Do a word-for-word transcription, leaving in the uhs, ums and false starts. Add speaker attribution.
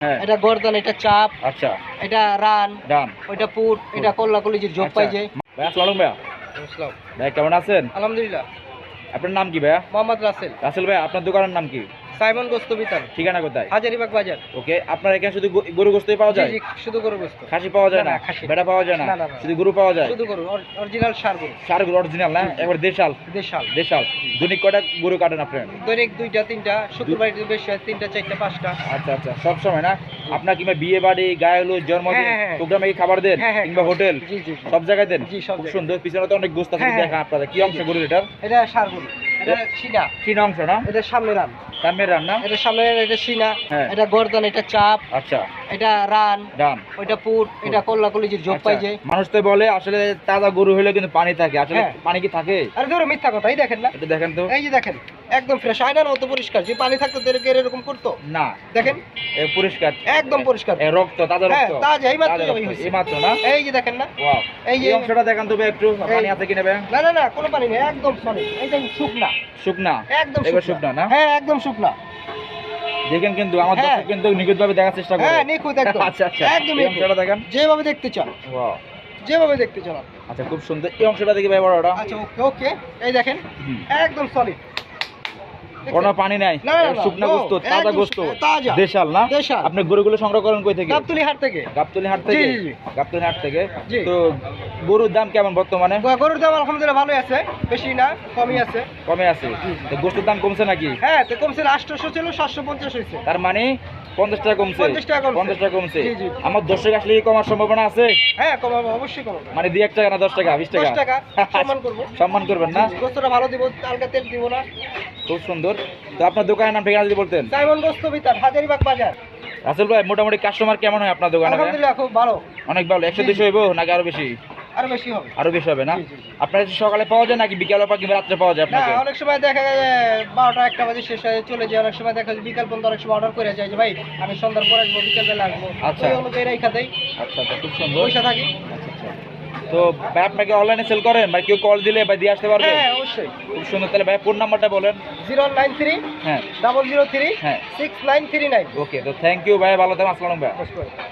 Speaker 1: হ্যাঁ
Speaker 2: এটা গর্দন, এটা চাপ,
Speaker 1: আচ্ছা
Speaker 2: এটা রান,
Speaker 1: ডান
Speaker 2: ওইটা পুট, এটা কল্লা কলিজির জব পাই যে।
Speaker 1: ভাই আসসালামু ভাইয়া
Speaker 2: বুঝলাম।
Speaker 1: ভাই কেমন আছেন?
Speaker 2: আলহামদুলিল্লাহ।
Speaker 1: আপনার নাম কি ভাইয়া?
Speaker 2: মোহাম্মদ রাসেল।
Speaker 1: রাসেল ভাই আপনার দোকানের নাম কি?
Speaker 2: সাইমন গোস্ত বিতান,
Speaker 1: ঠিকানা কোথায়?
Speaker 2: হাজারিবাগ বাজার।
Speaker 1: ওকে আপনার এখানে শুধু গো- গরু গোস্তই পাওয়া
Speaker 2: জি
Speaker 1: যায়?
Speaker 2: জি, শুধু গরু গোস্ত।
Speaker 1: খাসি পাওয়া যায়
Speaker 2: না,
Speaker 1: না?
Speaker 2: না, খাসি।
Speaker 1: বেটা পাওয়া যায় না?
Speaker 2: না, না, না।
Speaker 1: শুধু গরু পাওয়া যায়?
Speaker 2: শুধু গরু, অরিজিনাল সার গরু।
Speaker 1: সার গরু অরিজিনাল না? একবার দেশাল
Speaker 2: দেশাল।
Speaker 1: দেশাল দৈনিক কয়টা গরু কাটেন আপনার?
Speaker 2: দৈনিক দুইটা তিনটা, শুক্রবার একটু বেশি হয়, তিনটা চারটা পাঁচটা।
Speaker 1: আচ্ছা আচ্ছা সব সময় না? আপনার কিংবা বিয়ে বাড়ি গায়ে হলুদ জন্মদিন
Speaker 2: হ্যাঁ, হ্যাঁ।
Speaker 1: প্রোগ্রামে কি খাবার দেন
Speaker 2: হ্যাঁ, হ্যাঁ,
Speaker 1: কিংবা হোটেল
Speaker 2: জি জি জি।
Speaker 1: সব জায়গায় দেন?
Speaker 2: জি, সব
Speaker 1: খুব
Speaker 2: জায়গায়।
Speaker 1: সুন্দর পিছনে তো অনেক গোস্ত আছে
Speaker 2: হ্যাঁ,
Speaker 1: দেখা আপনাদের কি অংশ গরুর এটা?
Speaker 2: এটা সার গরু, এটা সিনা,
Speaker 1: তিন অংশ না?
Speaker 2: এটা সামনে রান,
Speaker 1: সামনের রান্না
Speaker 2: এটা সামনে, এটা সিনা,
Speaker 1: হ্যাঁ।
Speaker 2: এটা গর্দন, এটা চাপ,
Speaker 1: আচ্ছা
Speaker 2: এটা রান,
Speaker 1: ডান
Speaker 2: ওইটা পুট, এটা কল্লা কলিজির জব পাই
Speaker 1: আচ্ছা,
Speaker 2: যে।
Speaker 1: মানুষ তো বলে আসলে তাজা গরু হলে কিন্তু পানি থাকে আসলে
Speaker 2: হ্যাঁ।
Speaker 1: পানি কি থাকে?
Speaker 2: আরে ধরো মিথ্যা কথা, এই দেখেন না,
Speaker 1: এটা দেখেন তো
Speaker 2: এই যে দেখেন একদম ফ্রেশ, আয়নার মতো পরিষ্কার। যে পানি থাকতো তাদেরকে এরকম করতো?
Speaker 1: না
Speaker 2: দেখেন
Speaker 1: এ পরিষ্কার
Speaker 2: একদম পরিষ্কার।
Speaker 1: এ রক্ত তাজা
Speaker 2: হ্যাঁ,
Speaker 1: রক্ত
Speaker 2: তাজা, এই মাত্র
Speaker 1: তাজা
Speaker 2: জবাই
Speaker 1: রক্ত,
Speaker 2: হয়েছে।
Speaker 1: এই মাত্র না?
Speaker 2: এই যে দেখেন না,
Speaker 1: ওয়াও
Speaker 2: এই যে
Speaker 1: এই অংশটা দেখান তো ভাই একটু পানি
Speaker 2: এই-
Speaker 1: আছে কিনা ভাই?
Speaker 2: না না না, কোনো পানি নেই, একদম সলিড, এই দেখেন শুকনা,
Speaker 1: শুকনা
Speaker 2: একদম
Speaker 1: এবার শুকনা না?
Speaker 2: হ্যাঁ একদম শুকনা।
Speaker 1: দেখেন কিন্তু আমার
Speaker 2: হ্যাঁ।
Speaker 1: দর্শক কিন্তু নিখুঁতভাবে দেখার চেষ্টা করে।
Speaker 2: হ্যাঁ নিখুঁত একদম,
Speaker 1: আচ্ছা আচ্ছা
Speaker 2: একদম
Speaker 1: এই
Speaker 2: নিখুঁত।
Speaker 1: অংশটা দেখেন
Speaker 2: যেভাবে দেখতে চান,
Speaker 1: ওয়াও
Speaker 2: যেভাবে দেখতে চান আপনি।
Speaker 1: আচ্ছা খুব সুন্দর এই অংশটা দেখি ভাই বড়টা
Speaker 2: আচ্ছা ওকে ওকে, এই দেখেন
Speaker 1: হুম।
Speaker 2: একদম সলিড,
Speaker 1: কোনো পানি নাই
Speaker 2: না, না, না,
Speaker 1: শুকনা
Speaker 2: no,
Speaker 1: গোস্ত তাজা
Speaker 2: একদম
Speaker 1: গোস্ত
Speaker 2: শুকনা, তাজা।
Speaker 1: দেশাল না?
Speaker 2: দেশাল।
Speaker 1: আপনি গরুগুলো সংগ্রহ করেন কই থেকে?
Speaker 2: গাবতলী হাট থেকে।
Speaker 1: গাবতলী হাট থেকে?
Speaker 2: জি, জি, জি।
Speaker 1: গাবতলী হাট থেকে
Speaker 2: জি।
Speaker 1: তো গরুর দাম কেমন বর্তমানে?
Speaker 2: গরুর দাম আলহামদুলিল্লাহ ভালোই আছে, বেশি না, কমই আছে।
Speaker 1: কমে আছে তো গোস্তের দাম কমছে নাকি?
Speaker 2: হ্যাঁ তো কমছে, আটশোশো ছিল সাতশো পঞ্চাশ হয়েছে।
Speaker 1: তার মানে পঞ্চাশ টাকা কমছে?
Speaker 2: পঞ্চাশ টাকা কমছে।
Speaker 1: পঞ্চাশ টাকা কমছে
Speaker 2: জি, জি।
Speaker 1: আমার দর্শক আসলে কি কমার সম্ভাবনা আছে?
Speaker 2: হ্যাঁ কমাবো, অবশ্যই কমাবো।
Speaker 1: মানে দুই এক টাকা না দশ টাকা বিশ টাকা?
Speaker 2: দশ টাকা সম্মান করবো।
Speaker 1: সম্মান করবেন না?
Speaker 2: গোস্তটা ভালো দিব, হালকা তেল দিব না।
Speaker 1: খুব সুন্দর তো আপনার দোকানের নাম ঠিকানা যদি বলতেন?
Speaker 2: সাইমন গোস্ত বিতান, হাজারিবাগ বাজার।
Speaker 1: রাসেল ভাই মোটামুটি কাস্টমার কেমন হয় আপনার দোকানে ভাই?
Speaker 2: আলহামদুলিল্লাহ খুব ভালো,
Speaker 1: অনেক ভালো একশো
Speaker 2: জি,
Speaker 1: দুশো হইব নাকি আরো বেশি?
Speaker 2: আরো বেশি হবে।
Speaker 1: আরো বেশি হবে না?
Speaker 2: জি, জি, জি।
Speaker 1: আপনার কাছে সকালে পাওয়া যায় নাকি বিকালে পাওয়া কিংবা রাত্রে পাওয়া যায়
Speaker 2: না
Speaker 1: আপনাকে?
Speaker 2: অনেক সময় দেখা যায় যে বারোটা একটা বাজে শেষ হয়ে চলে যায়, অনেক সময় দেখা যায় বিকাল পর্যন্ত অনেক সময় অর্ডার করে যায় যে ভাই আমি সন্ধ্যার পরে আসবো, বিকেল বেলা আসবো,
Speaker 1: আচ্ছা।
Speaker 2: ওই অনুযায়ী রেখা দেয়,
Speaker 1: আচ্ছা আচ্ছা খুব সুন্দর
Speaker 2: পয়সা থাকি।
Speaker 1: আচ্ছা আচ্ছা তো ভাই আপনাকে অনলাইনে সেল করেন ভাই কেউ কল দিলে ভাই দিয়ে আসতে পারবে?
Speaker 2: হ্যাঁ অবশ্যই।
Speaker 1: খুব সুন্দর তাহলে ভাই ফোন নাম্বারটা বলেন।
Speaker 2: জিরো নাইন থ্রি
Speaker 1: হ্যাঁ
Speaker 2: ডাবল জিরো থ্রি
Speaker 1: হ্যাঁ
Speaker 2: six nine three nine.
Speaker 1: Okay তো থ্যাংক ইউ ভাই ভালো থাকবেন আসসালামু আলাইকুম ভাই।
Speaker 2: নমস্কার।